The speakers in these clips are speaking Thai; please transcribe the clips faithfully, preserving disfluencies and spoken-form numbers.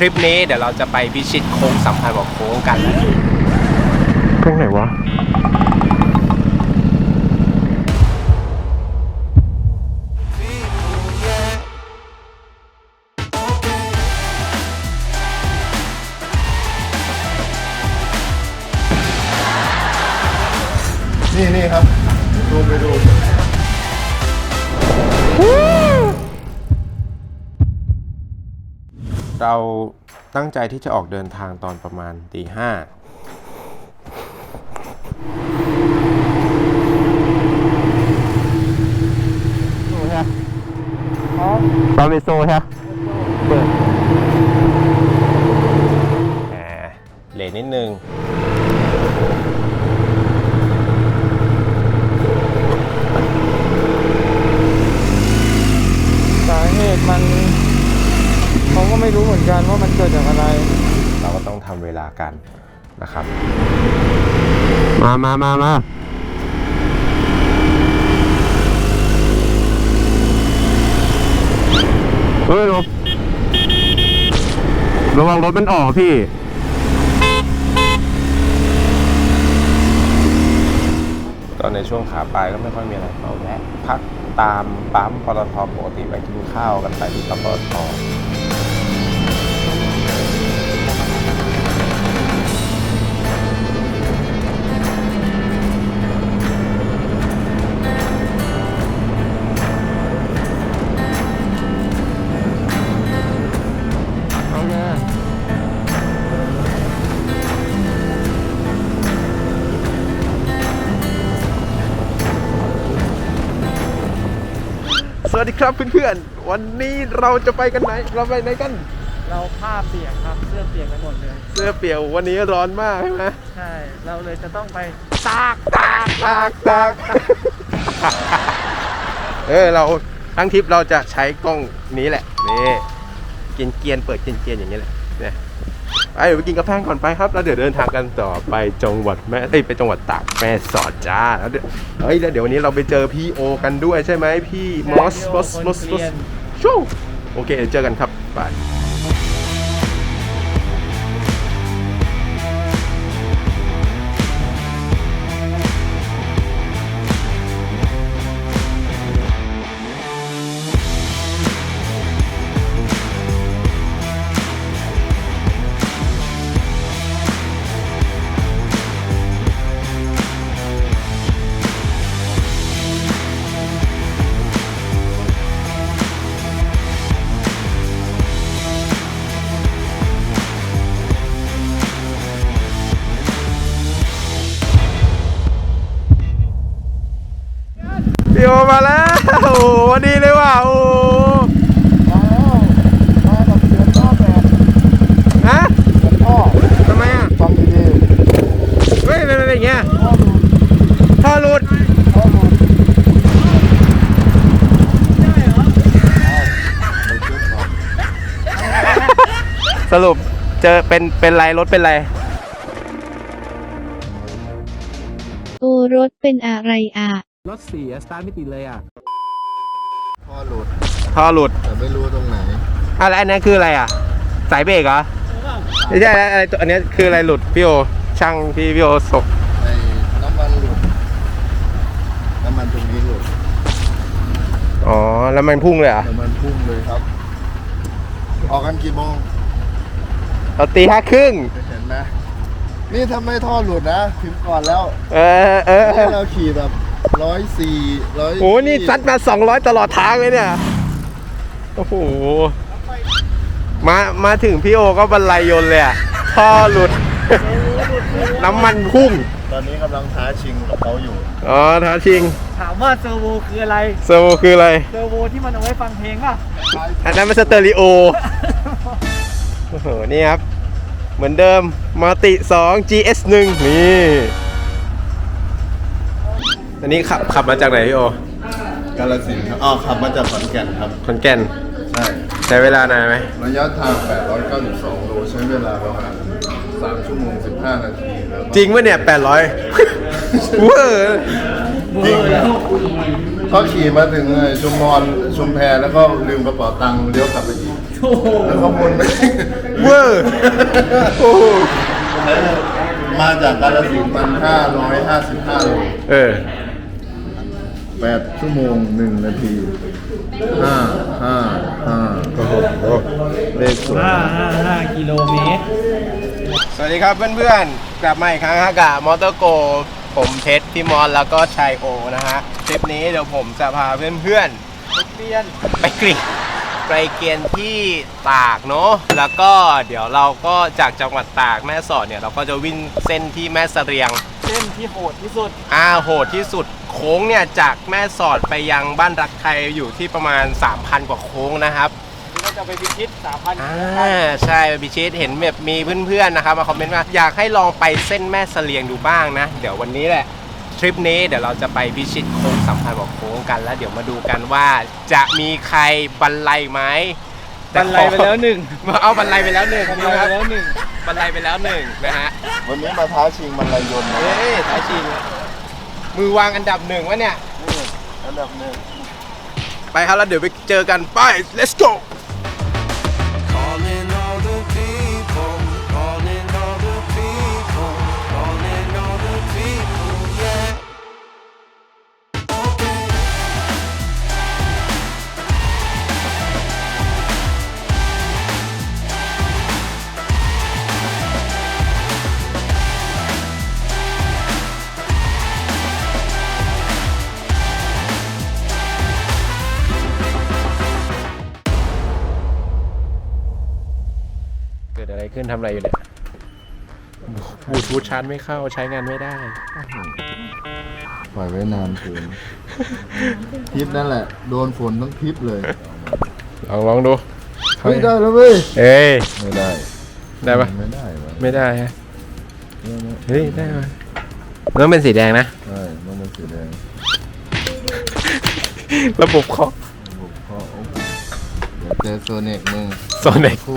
ริปนี้เดี๋ยวเราจะไปพิชิตโค้งสัมพันธ์กับโค้งกันนะโค้งไหนวะนี่นี่ครับดูไปดูเราตั้งใจที่จะออกเดินทางตอนประมาณตีห้าตอนไปโซใช่ไหมเปิดแหมเลนนิดนึงสาเหตุมันเขาก็ไม่รู้เหมือนกันว่ามันเกิดจากอะไรเราก็ต้องทำเวลากันนะครับมามามามาเฮ้ยรถระวังรถมันออกพี่ตอนในช่วงขาไปก็ไม่ค่อยมีอะไรเราแวะพักตามปั๊มปตทปกติไปกินข้าวกันไปที่ปั๊มปตทสวัสดีครับเพื่อนๆวันนี้เราจะไปกันไหนเราไปไหนกันเราผ้าเปียกครับเสื้อเปียกไปหมดเลยเสื้อเปียกวันนี้ร้อนมากใช่ไหมใช่เราเลยจะต้องไปตากตากตากตากเออเราทั้งทริปเราจะใช้กล้องนี้แหละนี่กินเกียนเปิดเกียนเกียนอย่างนี้แหละเนี่ยไปเดี๋ยวไปกินกาแฟก่อนไปครับแล้วเดี๋ยวเดินทางกันต่อไปจังหวัดแม่เอ้ยไปจังหวัดตากแม่สอดจ้าแล้วเดี๋ยวเฮ้ยแล้วเดี๋ยววันนี้เราไปเจอพี่โอกันด้วยใช่ไหมพี่มอสมอสมอสมอสชูโอเคเดี๋ยวเจอกันครับไปพี่โอมาแล้วโอ้วันนี้เลยว่ะโอ้มากับเสือท่อแบบฮะเสือท่อทำไมอ่ะฟังดีๆเฮ้ยเป็นอะไรอย่างเงี้ยท่อหลุดท่อหลุดสรุปเจอเป็นเป็นไรรถเป็นไรโอรถเป็นอะไรอ่ะรถเสียสตาร์ทไม่ติดเลยอ่ะท่อหลุดท่อหลุดแต่ไม่รู้ตรงไหนอะไรอันนี้คืออะไรอ่ะสายเบรกเหรอไม่ใช่อะไรตัวอันนี้คืออะไรหลุดพี่โอช่างพี่พี่โอสกไอ้น้ำมันหลุดน้ำมันตรงนี้หลุดอ๋อแล้วมันพุ่งเลยอ่ะน้ำมันพุ่งเลยครับออกกันกี่โมงเราตีห้าครึ่งเห็นไหมนี่ทำไมท่อหลุดนะถึงก่อนแล้วเออเออเราขี่แบบร้อยสี่ร้อยโอ้นี่ซัดมาสองร้อยตลอดทางเลยเนี่ยโอ้โหมามาถึงพี่โอก็บรรลัยยนต์เลยอ่ะท่อหลุดน้ำมันพุ่งตอนนี้กำลังท้าชิงกับเขาอยู่อ๋อท้าชิงถามว่าเซอร์โวคืออะไรเซอร์โวคืออะไรเซอร์โวที่มันเอาไว้ฟังเพลงป่ะอันนั้นมันสเตอริโอโอ้โหนี่ครับเหมือนเดิมมาติสอง จี เอส หนึ่งนี่อันนี้ขับขับมาจากไหนพี่โอกาฬสินธุ์ครับอ๋อขับมาจากขอนแก่นครับขอนแก่นใช่ใช้เวลานานไหมระยะทางแปดร้อยเก้าสิบสองโลใช้เวลาประมาณสามชั่วโมงสิบห้านาทีแล้วจริงไหมเนี่ยแปดร้อยเวอร์จริงเขาขี่มาถึงชุมพรชุมแพแล้วก็ลืมกระเป๋าตังค์เลี้ยวกลับไปอีกแล้วเขาวนไปเวอร์โอ้โหมาจากกาฬสินธุ์มันห้าร้อยห้าสิบห้าโลเออแปดชั่วโมงหนึ่งนาทีห้าห้าห้าโอ้โหเลขสวยห้าห้าห้ากิโลเมตรสวัสดีครับเพื่อนๆ กลับมาอีกครั้งฮะกับมอเตอร์โกผมเพชรพี่มอนแล้วก็ชายโอนะฮะทริปนี้เดี๋ยวผมจะพาเพื่อนๆเรียนไปกรีกไปเกียนที่ตากเนาะแล้วก็เดี๋ยวเราก็จากจังหวัดตากแม่สอดเนี่ยเราก็จะวิ่งเส้นที่แม่เสรียงเส้นที่โหดที่สุดอ่าโหดที่สุดโค้งเนี่ยจากแม่สอดไปยังบ้านรักไทยอยู่ที่ประมาณ สามพัน กว่าโค้งนะครับนี่ก็จะไปพิชิตสามพันอ่าใช่บิชิตเห็นแบบมีเพื่อนๆนะครับมาคอมเมนต์ว่าอยากให้ลองไปเส้นแม่เสลียงดูบ้างนะเดี๋ยววันนี้แหละทริปนี้เดี๋ยวเราจะไปพิชิตโค้งสามพัน กว่าโค้งกันแล้วเดี๋ยวมาดูกันว่าจะมีใครบรรลัยไหมบรรลัยไปแล้วหนึ่งมาเอาบรรลัยไปแล้วหนึ่งบรรลัยไปแล้วหนึ่งบรรลัยไปแล้วหนึ่งนะฮะวันนี้มาท้าชิงมันลายยนต์นะเฮ้ยท้ายชิงมือวางอันดับหนึ่งวะเนี่ยนี่อันดับหนึ่งไปครับแล้วเดี๋ยวไปเจอกันไป let's go Calling all the people, calling all the people, calling all the people, yeah. Okay. เกิดอะไรขึ้นทำอะไรอยู่เนี่ยบลูทูธชาร์จไม่เข้าใช้งานไม่ได้ปล่อยไว้นานเกินทริปนั่นแหละ โดนฝนทั้งทริปเลยลองลองดูเฮ้ยได้แล้วเว้ยเอ้ยไม่ได้ได้ปะไม่ได้วะไม่ได้ฮะเฮ้ยได้ปะต้องเป็นสีแดงนะใช่ต้องเป็นสีแดงระบบเคาะบุกเข้าโอ้โหเดี๋ยวเจอโซเนกมึงโซนไหนคู่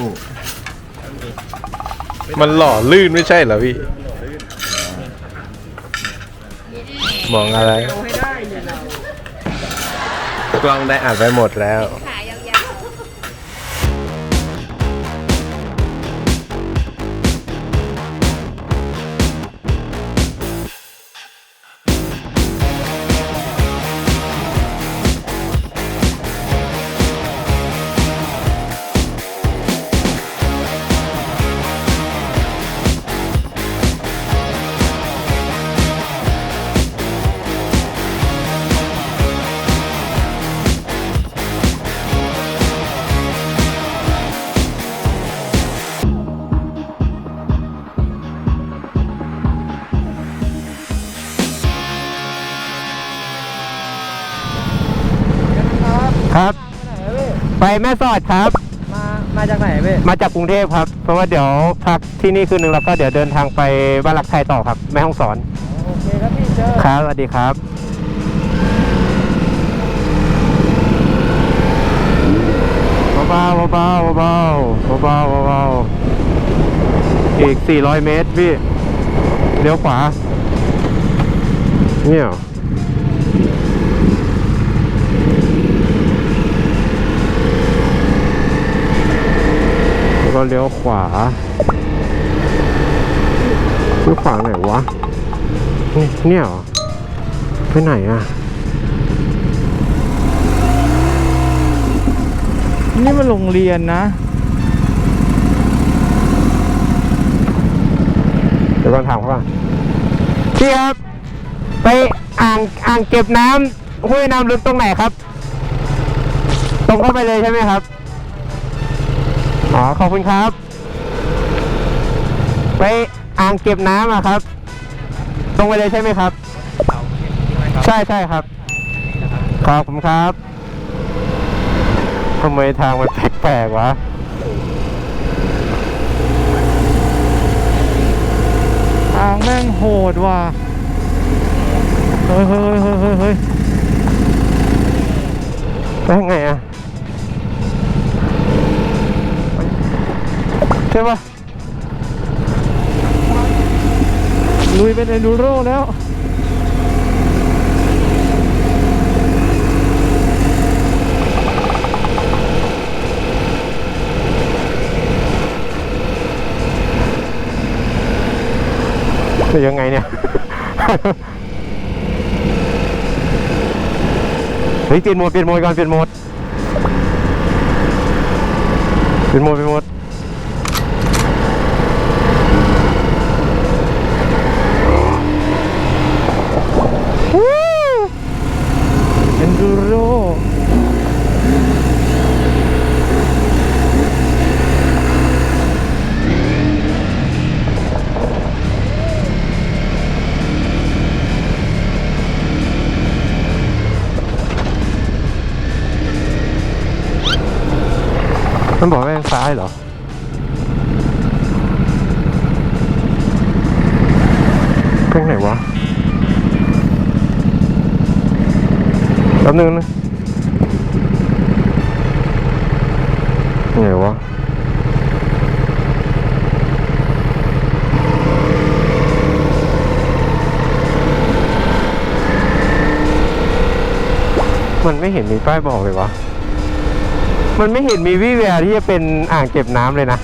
มันหล่อลื่นไม่ใช่เหรอพี่ มองอะไรกล้องได้อัดไว้หมดแล้วครับ ไปแม่สอดครับมา มาจากไหนพี่มาจากกรุงเทพครับ เพราะว่าเดี๋ยวพักที่นี่คืนหนึ่งแล้วก็เดี๋ยวเดินทางไปบ้านรักไทยต่อครับแม่ฮ่องสอนโอเคครับพี่เจอครับสวัสดีครับเบาๆเบาๆเบาๆเบาๆเบาๆอีกสี่ร้อยเมตรพี่เลี้ยวขวาเนี่ยเหรอแล้วก็เลี้ยวขวาเลี้ยวขวาไหนวะนี่เนี่ยเหรอไปไหนอ่ะนี่มันโรงเรียนนะเดี๋ยวก่อนถามเขาก่อนพี่ครับ ไปอ่างอ่างเก็บน้ำห้วยน้ำลึกตรงไหนครับ ตรงเข้าไปเลยใช่ไหมครับ อ๋อ ขอบคุณครับ ไปอ่างเก็บน้ำอะครับ ตรงไปเลยใช่ไหมครับ ใช่ใช่ครับ ขอบคุณครับทำไมทางมันแปลกๆวะทางแม่งโหดว่ะ เฮ้ยเฮ้ยเฮ้ยเฮ้ยเฮ้ยไปยังไงอะใช่ปะลุยเป็นเอนดูโร่แล้วจะยังไงเนี่ย เฮ้ยเปลี่ยนโหมดเปลี่ยนโหมดก่อนเปลี่ยนโหมดเปลี่ยนโหมดเปลี่ยนโหมดเอนดูโรมันบอกว่าทางซ้ายเหรอทางไหนวะแป๊บนึงนะไหนวะมันไม่เห็นมีป้ายบอกเลยวะมันไม่เห็นมีวี่แววที่จะเป็นอ่างเก็บน้ำเลยนะ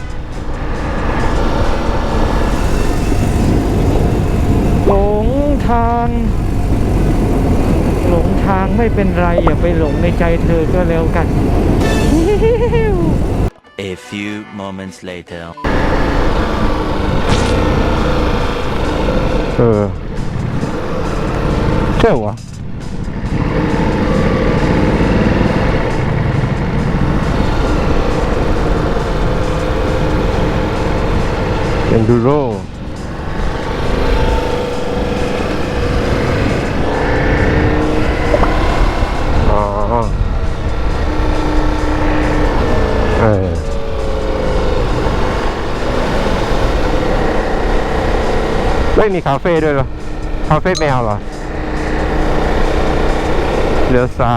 หลงทาง หลงทางไม่เป็นไร อย่าไปหลงในใจเธอก็แล้วกัน A few moments later. เออใช่เหรอวะเอนดูโรอ๋อเออไม่มีคาเฟ่ด้วยเหรอ คาเฟ่แมวเหรอเลี้ยวซ้าย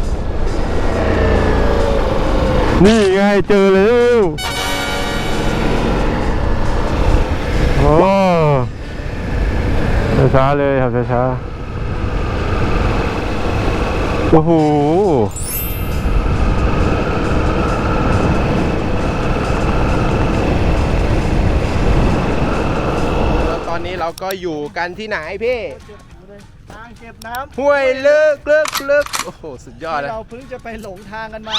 นี่ไงเจอแล้วโอ้ช้าๆเลยครับช้าๆโอ้โหแล้วตอนนี้เราก็อยู่กันที่ไหนพี่อ่างเก็บน้ำห้วยลึกลึกลึกโอ้โหสุดยอดเลยเราเพิ่งจะไปหลงทางกันมา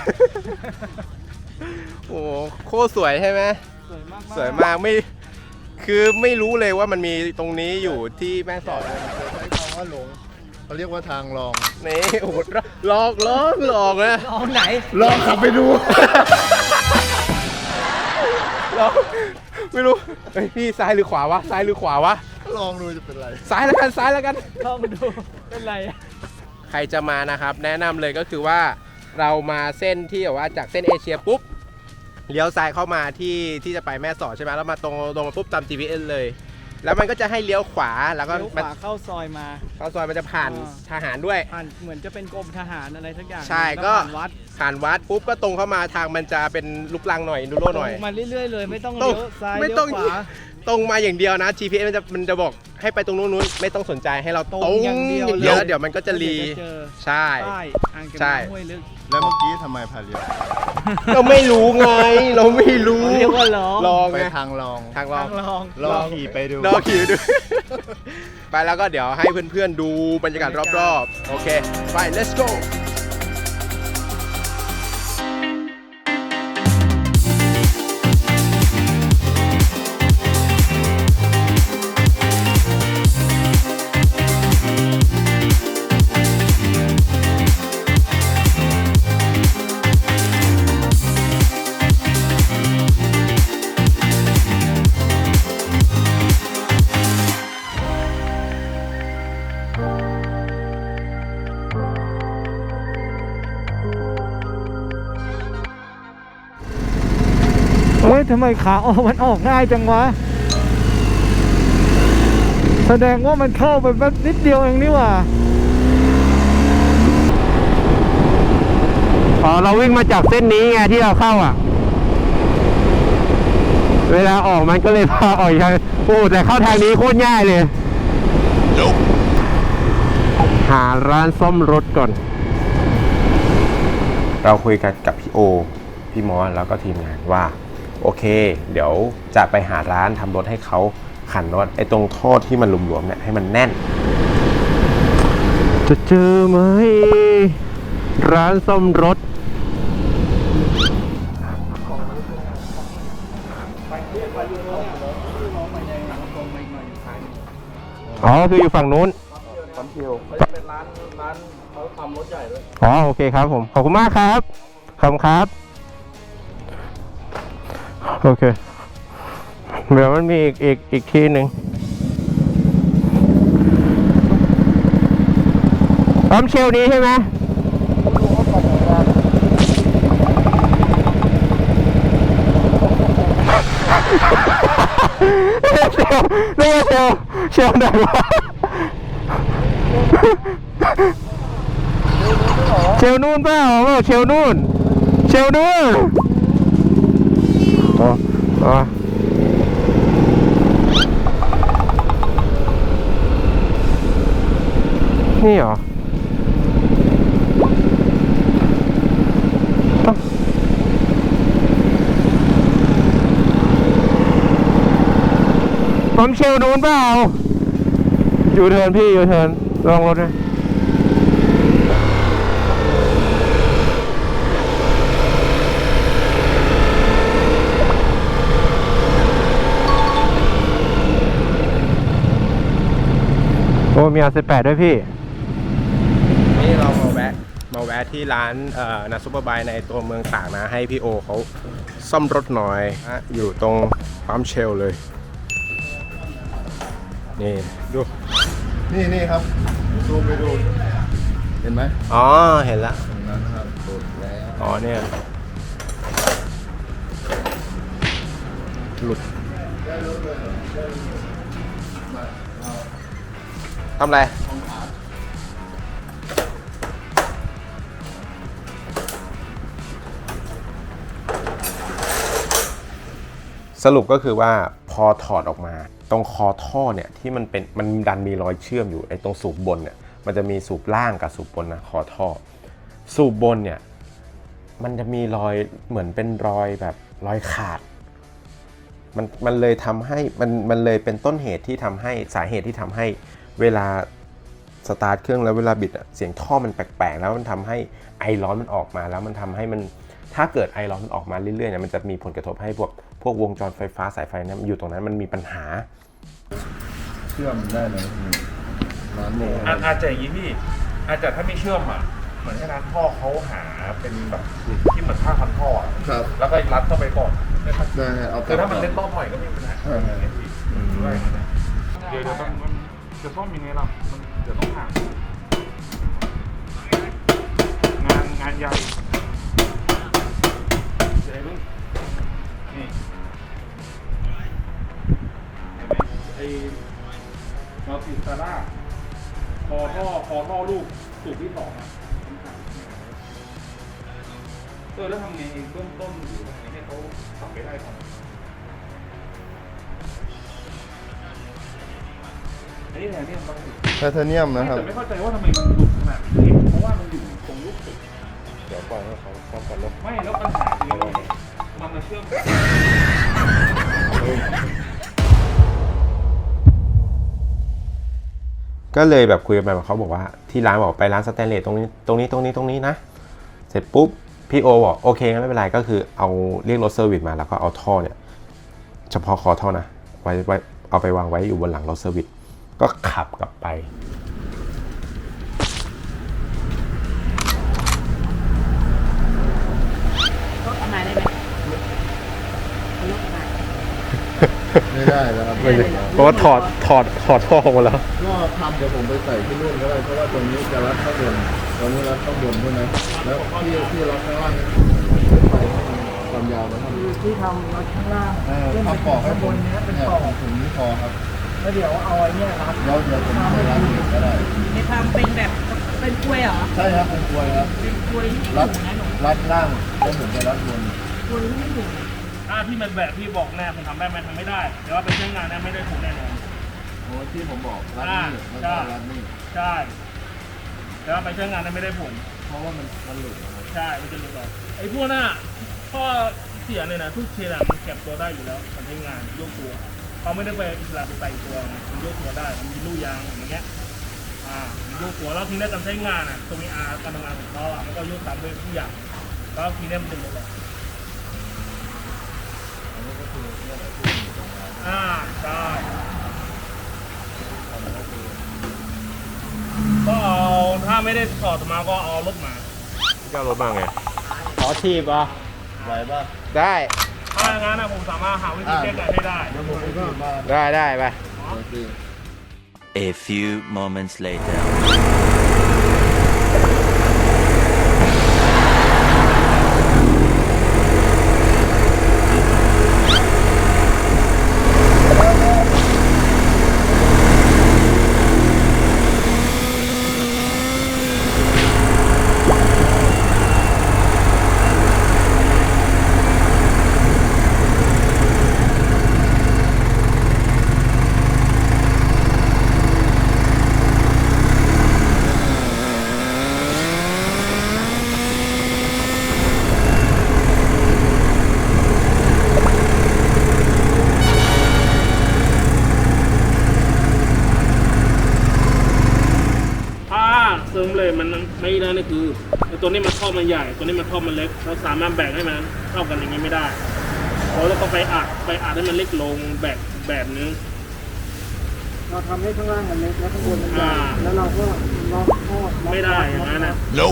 โอ้โหโคตรสวยใช่ไหมสวยมากๆสวยมากไม่คือไม่รู้เลยว่ามันมีตรงนี้อยู่ที่แม่สอดใช้คำว่าหลงเขาเรียกว่าทางลองนี่โอ้โหหลอกหลอกหลอกนะลองไหนลองขับไปดูหลอกไม่รู้เฮ้ยพี่ซ้ายหรือขวาวะซ้ายหรือขวาวะลองดูจะเป็นไรซ้ายแล้วกันซ้ายแล้วกันลองดู เป็นไรอะใครจะมานะครับ แนะนำเลยก็คือว่าเรามาเส้นที่แบบว่าจากเส้นเอเชียปุ๊บเลี้ยวซ้ายเข้ามาที่ที่จะไปแม่สอดใช่ไหมแล้วมาตรงตรงมาปุ๊บตาม จี พี เอส เลย แล้วมันก็จะให้เลี้ยวขวาแล้วก็เลี้ยวขวาเข้าซอยมาเข้าซอยมันจะผ่านอ่าทหารด้วยผ่านเหมือนจะเป็นกรมทหารอะไรสักอย่างใช่แล้วก็ผ่านวัดผ่านวัดปุ๊บก็ตรงเข้ามาทางมันจะเป็นลูกลังหน่อยดูโรหน่อยตรงมาเรื่อยๆเลยไม่ต้องตรงเลี้ยวซ้ายไม่เลี้ยต้องวขวาตรงมาอย่างเดียวนะ จี พี เอส มันจะมันจะบอกให้ไปตรงนู้นนู้นไม่ต้องสนใจให้เราตรงตรงอย่างเดียวอย่างเดียวแล้วเดี๋ยวมันก็จะรีเดี๋ยวจะเจอใช่ป้ายอ่างเก็บใช่น้ำห้วยลึกแล้วเมื่อกี้ทำไมพาเลี้ยวเราไม่รู้ไง เราไม่รู้เรียกว่าลองลองไปไงทางลองทางลองทางลองลองขี่ไปดูรอขี่ไปดู ไปแล้วก็เดี๋ยวให้เพื่อนๆดูบรรยากาศรอบๆ โอเค ไป let's go เฮ้ยทำไมขาออกมันออกง่ายจังวะ แสดงว่ามันเข้าไปแป๊บนิดเดียวเองนี่หว่าอ๋อเราวิ่งมาจากเส้นนี้ไงที่เราเข้าอ่ะ เวลาออกมันก็เลยพาออกทางโอ้แต่เข้าทางนี้โคตรง่ายเลย หาร้านซ่อมรถก่อนเราคุยกันกับพี่โอ พี่มอสแล้วก็ทีมงานว่า โอเค เดี๋ยวจะไปหาร้านทำรถให้เขาขันน็อตไอ้ตรงท่อที่มันหลวมๆเนี่ยให้มันแน่นจะเจอไหมร้านซ่อมรถ อ๋อ คืออยู่ฝั่งนู้นปั๊มเพียวเขาจะเป็นร้านร้านเขาทำรถใหญ่ด้วยอ๋อ โอเคครับผม ขอบคุณมากครับ ขอบคุณครับ โอเค เดี๋ยวมันมีอีกอีกอีกที่หนึ่งปั๊มเชลนี้ใช่ไหมเชลนี่เชลเชลไหนวะเชลนู่นเปล่าเชลนู่นเชลนู่นอ๋ออ๋อนี่เหรอปั๊มเชลนู้นเปล่าอยู่เทิร์นพี่อยู่เทิร์นลองรถนะโอ้มีอาร์สิบแปดด้วยพี่นี่เรามาแวะมาแวะที่ร้านเอ่อนาซูเปอร์ไบค์ในตัวเมืองตากนะให้พี่โอเขาซ่อมรถหน่อยนะอยู่ตรงปั๊มเชลเลยนี่ดูนี่นี่ครับซูมไปดู เห็นไหมอ๋อเห็นละตรงนั้นครับโดดแล้วอ๋อเนี่ยหลุดทำอะไรสรุปก็คือว่าพอถอดออกมาตรงคอท่อเนี่ยที่มันเป็นมันดันมีรอยเชื่อมอยู่ไอ้ตรงสูบบนเนี่ยมันจะมีสูบล่างกับสูบบนนะคอท่อสูบบนเนี่ยมันจะมีรอยเหมือนเป็นรอยแบบรอยขาดมันมันเลยทำให้มันมันเลยเป็นต้นเหตุที่ทำให้สาเหตุที่ทำให้เวลาสตาร์ทเครื่องแล้วเวลาบิดอะเสียงท่อมันแปลกๆแล้วมันทำให้ไอร้อนมันออกมาแล้วมันทำให้มันถ้าเกิดไอร้อนมันออกมาเรื่อยๆเนี่ยมันจะมีผลกระทบให้พวกพวกวงจรไฟฟ้าสายไฟเนี่ยอยู่ตรงนั้นมันมีปัญหาเชื่อมได้เลยร้านโมอาอาจจะอย่างนี้พี่อาจจะถ้าไม่เชื่อมอ่ะเหมือนให้ร้านท่อเขาหาเป็นแบบที่เหมือนผ้าพันท่ออะครับแล้วก็รัดเข้าไปก่อนได้เอาคือถ้ามันเล่นรอบใหม่ก็ไม่เป็นไรด้วยนะเดี๋ยวเดี๋ยวมันมันจะซ่อมยังไงล่ะมันเดี๋ยวต้องหางานงานใหญ่เดี๋ยวนี่นี่ไอ้เราติดซาร่าคอท่อคอท่อลูกสูบที่สองอ่ะเออแล้วทำไงเบื้องต้นหรือทำไงให้เขาทำไปได้ก่อนอันนี้แทนที่มันต้องไทเทเนียมนะครับแต่ไม่เข้าใจว่าทำไมมันหลุดขนาดนี้เพราะว่ามันอยู่ตรงลูกสุดเดี๋ยวปล่อยให้เขาซ่อมก่อนลบไม่แล้วปัญหาคือมันมาเชื่อมกันก็เลยแบบคุยกันไปเขาบอกว่าที่ร้านบอกไปร้านสแตนเลสตรงนี้ตรงนี้ตรงนี้ตรงนี้นะเสร็จปุ๊บพี่โอบอกโอเคงั้นไม่เป็นไรก็คือเอาเรียกรถเซอร์วิสมาแล้วก็เอาท่อเนี่ยเฉพาะคอท่อนะไว้ไว้เอาไปวางไว้อยู่บนหลังรถเซอร์วิสก็ขับกลับไปไม่ได้แล้วครับเพราะว่าถอดถอดถอดท่อออกมาแล้วก็ทำเดี๋ยวผมไปใส่ที่นู่นก็ได้เพราะว่าตรงนี้จะรัดข้างบนตรงนี้รัดข้างบนใช่ไหมแล้วที่ที่รัดข้างล่างไปให้มันความยาวมันทำที่ทำรัดข้างล่างทำปอกให้บนนี้เป็นปอกถึงนี้พอครับแล้วเดี๋ยวเอาไอ้นี่ครับแล้วเดี๋ยวผมไปรัดก็ได้จะทำเป็นแบบเป็นกล้วยเหรอใช่ครับเป็นกล้วยครับเป็นกล้วยที่รัดถูกนะหนูรัดล่างแล้วผมจะรัดบนกล้วยที่ไม่ถูกถ้าที่มันแบบที่บอกแน่ผมทำได้ไหมทำไม่ได้แต่ว่าเป็นเรื่องงานเนี่ยไม่ได้ถูกแน่นอนโอ้ที่ผมบอกรัดนี่แล้วก็รัดนี่ใช่แต่ว่าไปใช้งานนั้นไม่ได้ผลเพราะว่ามันมันหลุดนะครับใช่มันจะหลุดออกไอ้พวกน่ะข้อเสียเลยนะทุกเชนอะมันเก็บตัวได้อยู่แล้วมันใช้งานยกตัวเขาไม่ได้ไปอิสระไปใส่ตัวไงมันโยกตัวได้มันมีลูกยางอย่างเงี้ยอ่ามันโยกตัวแล้วทีนี้การใช้งานอ่ะตรงนี้อาการทำงานของเขาอ่ะมันก็โยกตามด้วยทุกอย่างแล้วทีนี้มันจะหมดเลยอ่าใช่ก็เอาถ้าไม่ได้ถอดออกมาก็เอารถมาเจ้ารถบ้างไงขอทีบอ่ะไหวป่ะได้ถ้าอย่างนั้นนะผมสามารถหาวิธีแก้ไขให้ได้เดี๋ยวผมไปที่บ้านได้ได้ไปโอเค A few moments later. ถ้าเสริมเลยมันไม่ได้นี่คือตัวนี้มันท่อมันใหญ่ตัวนี้มันท่อมันเล็กเราสามารถแบ่งให้มันเท่ากันอย่างนี้ไม่ได้เราต้องไปอัดไปอัดให้มันเล็กลงแบบแบบนึงเราทำให้ข้างล่างมันเล็กแล้วข้างบนมันใหญ่อ่าแล้วเราก็ล็อกท่อล็อกไม่ได้อย่างนั้นนะ Nope.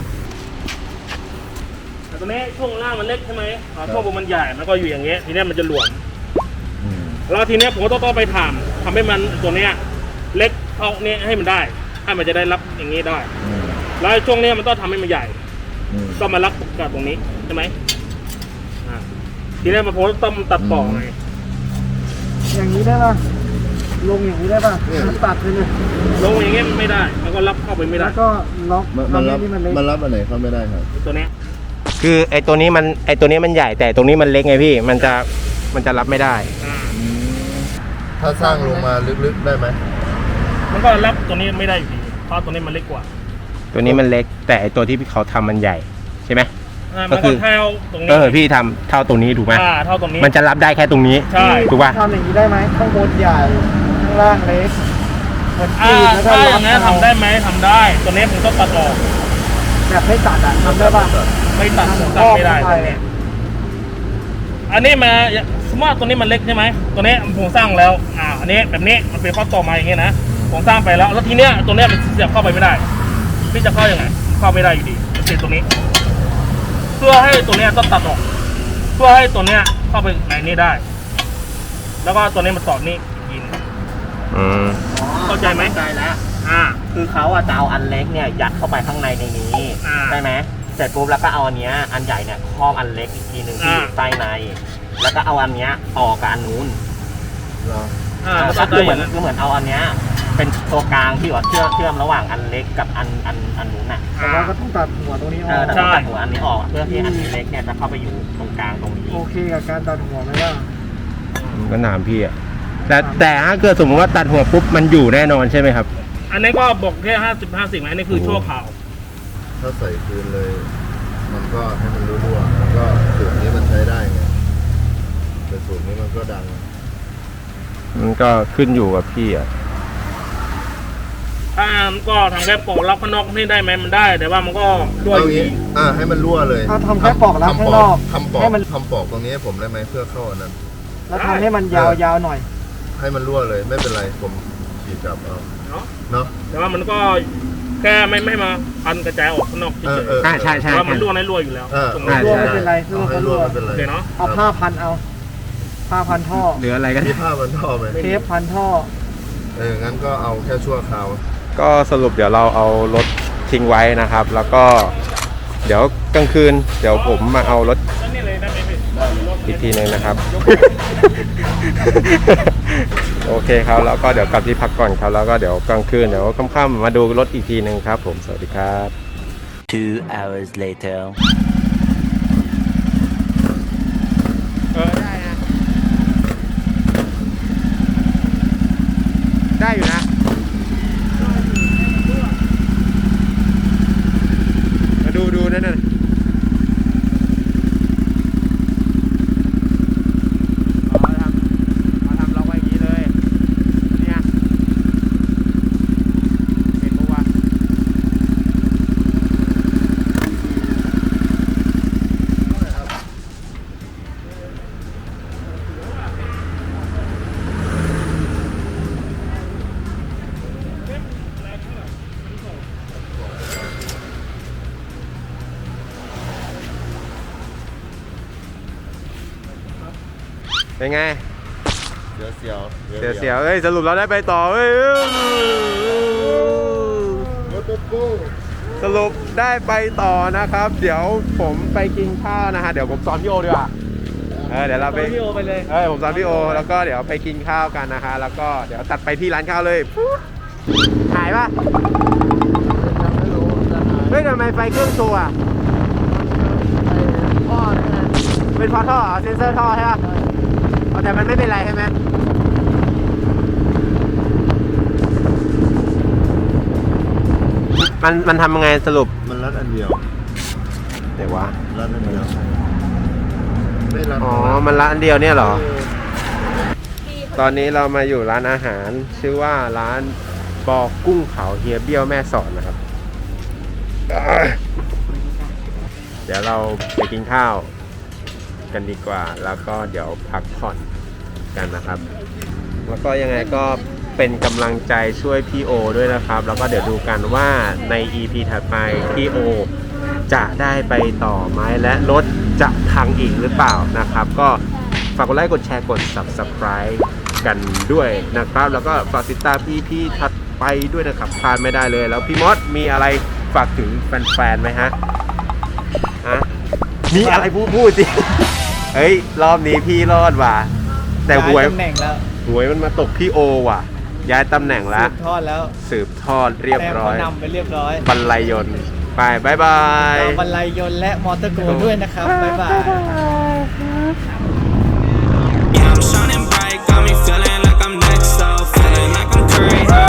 แต่ตัวนี้ช่วงล่างมันเล็กใช่ไหมอ่าช่วงบนมันใหญ่มันก็อยู่อย่างเงี้ยทีนี้มันจะหลวมแล้วทีนี้ผมก็ต้องต้องไปทำทำให้มันตัวเนี้ยเล็กเท่านี้ให้มันได้ให้มันจะได้รับอย่างนี้ได้ แล้วช่วงนี้มันต้องทำให้มันใหญ่ ก็มารับกับตรงนี้ใช่ไหมอ่าทีนี้มาผมต้องตัดต่อไงอย่างนี้ได้ป่ะลงอย่างนี้ได้ป่ะตัดไปเลยลงอย่างเงี้ยไม่ได้มันก็รับเข้าไปไม่ได้แล้วก็ล็อกมันทำรัให้บที่มันเล็กมันรับอันไหนเข้าไม่ได้ครับตัวเนี้ยคือไอ้ตัวนี้มันไอ้ตัวนี้มันใหญ่แต่ตรงนี้มันเล็กไงพี่ มันจะมันจะรับไม่ได้อ่าถ้าสร้างลงมาลึกๆได้ไหมมันก็รับตัวนี้ไม่ได้อยู่ดีเพราะตัวนี้มันเล็กกว่าตัวนี้มันเล็กแต่ไอ้ตัวที่เขาทำมันใหญ่ใช่ไหมอ่าก็มันคืก็อเท่าตรงนี้เออพี่ทำเท่าตรงนี้ถูกไหมอ่าเท่าตรงนี้มันจะรับได้แค่ตรงนี้ใช่ถูกป่ะทำอย่างนี้ได้ไหมข้างบนใหญ่ข้างล่างเล็กเหมือนอ่าจีบแล้วก็ถ้าอล็อย่างนี้นทำได้ไหมทำได้ ตัวนี้ผมต้องตัดออกแบบไม่ตัดอ่ะทำได้ป่ะไม่ตัดผมตัดไม่ได้ตัวนี้อันนี้มาสมมติว่าตัวนี้มันเล็กใช่ไหมตัวนี้ผมสร้างแล้วอ่าอันนี้แบบนี้มันเป็นข้อต่อมาอย่างเงี้ยนะผมสร้างไปแล้วแล้วทีเนี้ยตัวเนี้ยมันเสียบเข้าไปไม่ได้พี่จะเข้ายังไงเข้าไม่ได้อยู่ดีมันติดตรงนี้ เพื่อให้ตัวเนี้ยต้องตัดออกเพื่อให้ตัวเนี้ยเข้าไปในนี้ได้ แล้วก็ตัวนี้มันสอดนี่ยินอืมเข้าใจไหมใจแล้วอ่าคือเขาอะจะเอาอันเล็กเนี่ยยัดเข้าไปข้างในในนี้อ่าใช่ไหมเสร็จปุ๊บแล้วก็เอาอันเนี้ยอันใหญ่เนี่ยครอบอันเล็กอีกทีหนึ่งที่อ่าอยู่ใต้ใน แล้วก็เอาอันเนี้ยต่อกับอันนู้นเหรออ่าก็เข้าใจคือเหอมือนย่างนั้นคือเหมือนเอาอันเนี้ยเป็นตัวกลางที่ว่าเชื่อมเชื่อมระหว่างอันเล็กกับอันอันอันนู้นน่ะแต่ว่าก็ต้องตัดหัวตรงนี้อเอออก แต่ต้องตัดหัวอันนี้ออกเพื่อที่อันเล็กเนี่ยจะเข้าไปอยู่ตรงกลางตรงนี้โอเคกับการตัดหัวไหมล่ะมันก็หนามพี่อะแต่แต่ถ้าเกิดสมมติว่าตัดหัวปุ๊บมันอยู่แน่นอนใช่ไหมครับอันนี้ก็บอกแค่ห้าสิบห้าสิบอันนี้คือชั่วคราวถ้าใส่คืนเลย มันก็ให้มันรั่วๆมันก็สูตรนี้มันใช้ได้ไงแต่สูตรนี้มันก็ดังมันก็ขึ้นอยู่กับพี่อะถ้าก็ทำแค่ปอกรับข้างนอกนี่ได้ไหมมันได้ แต่ว่ามันก็ด้วยเอางี้อ่าให้มันรั่วเลยถ้าทำแค่ปอกรับข้างนอกทำปอกให้มันทำปอกตรงนี้ให้ผมได้ไหมเพื่อเข้าอันนั้นแล้วทำให้มันยาวๆหน่อยให้มันรั่วเลยไม่เป็นไรผมฉีดกลับเอาเนาะเนาะแต่ว่ามันก็แค่ไม่ไม่มาพันกระจายออกข้างนอกเฉเออย เออใช่ใช่ๆใช่แต่ว่ามันรั่วในรั่วอยู่แล้วเออตรงอ่านี้รั่วไม่เป็นไรเอาให้รั่วไม่เป็นไรโอเคเนาะเอาผ้าพันเอา ผ้าพันท่อหรืออะไรก็มีได้ผ้ามันท่อไหมเทปพันท่อเอองั้นก็เอาแค่ชั่วคราวก็สรุปเดี๋ยวเราเอารถทิ้งไว้นะครับ แล้วก็เดี๋ยวกลางคืน เดี๋ยวผมมาเอารถแล้วนี่เลยได้ไหมพี่อีกทีหนึงนะครับ โอเคครับแล้วก็เดี๋ยวกลับที่พักก่อนครับแล้วก็เดี๋ยวกลางคืนเดี๋ยวค่ำๆมาดูรถอีกทีหนึ่งครับผมสวัสดีครับ Two hours later. เออได้นะได้อยู่นะมาดูดูนั่นน่ะอ๋อทำมาทำล็อกไว้อย่างนี้เลยเป็นไงเสียวเสียวเสียวเสียวเฮ้ยสรุปเราได้ไปต่อเฮ้ยรถโก้สรุปได้ไปต่อนะครับ เดี๋ยวผมไปกินข้าวนะฮะเดี๋ยวผมสอนพี่โอดีกว่าเออเดี๋ยวเราไปพี่โอไปเลยเออผมสอนพี่โอแล้วก็เดี๋ยวไปกินข้าวกันนะฮะแล้วก็เดี๋ยวตัดไปที่ร้านข้าวเลยหายปะเฮ้ยทำไมไฟเครื่องตัวอ่ะพ่อเนี่ยเป็นเพราะท่อเหรอเซนเซอร์ท่อใช่ปะเอาแต่มันไม่เป็นไรใช่ไหมมันมันทำยังไงสรุปมันรัดอันเดียวเดี๋ยววะรัดอันเดียวไม่รัดอ๋อมันร้านเดียวเนี่ยเหรอ ตอนนี้เรามาอยู่ร้านอาหารชื่อว่าร้านบอกุ้งเผาเฮียเบี้ยวแม่สอนนะครับ เดี๋ยวเราไปกินข้าวกันดีกว่า แล้วก็เดี๋ยวพักผ่อนกันนะครับ แล้วก็ยังไงก็เป็นกำลังใจช่วยพี่โอด้วยนะครับ แล้วก็เดี๋ยวดูกันว่าใน อี พี ถัดไปพี่โอจะได้ไปต่อไหมและรถจะพังอีกหรือเปล่านะครับ ก็ฝากกดไลค์กดแชร์กด ซับสไครบ์ กันด้วยนะครับ แล้วก็ฝากติดตามพี่พี่ถัดไปด้วยนะครับพลาดไม่ได้เลย แล้วพี่มอสมีอะไรฝากถึงแฟนๆไหมฮะฮะมีอะไรพูดพูดสิ เฮ้ยรอบนี้พี่รอดว่ะแต่หวยย้ายตำแหน่งแล้วหวยมันมาตกพี่โอว่ะ ย้ายตำแหน่งแล้วสืบทอดแล้วสืบทอดเรียบร้อยแต้มเขานำไปเรียบร้อยบรรลัยยนต์ไปบายบายเราบรรลัยยนต์และมอเตอร์โกด้วยนะครับ บ๊ายบาย Yeah, I'm shining bright, got me feeling like I'm next up, feeling like I'm Curry.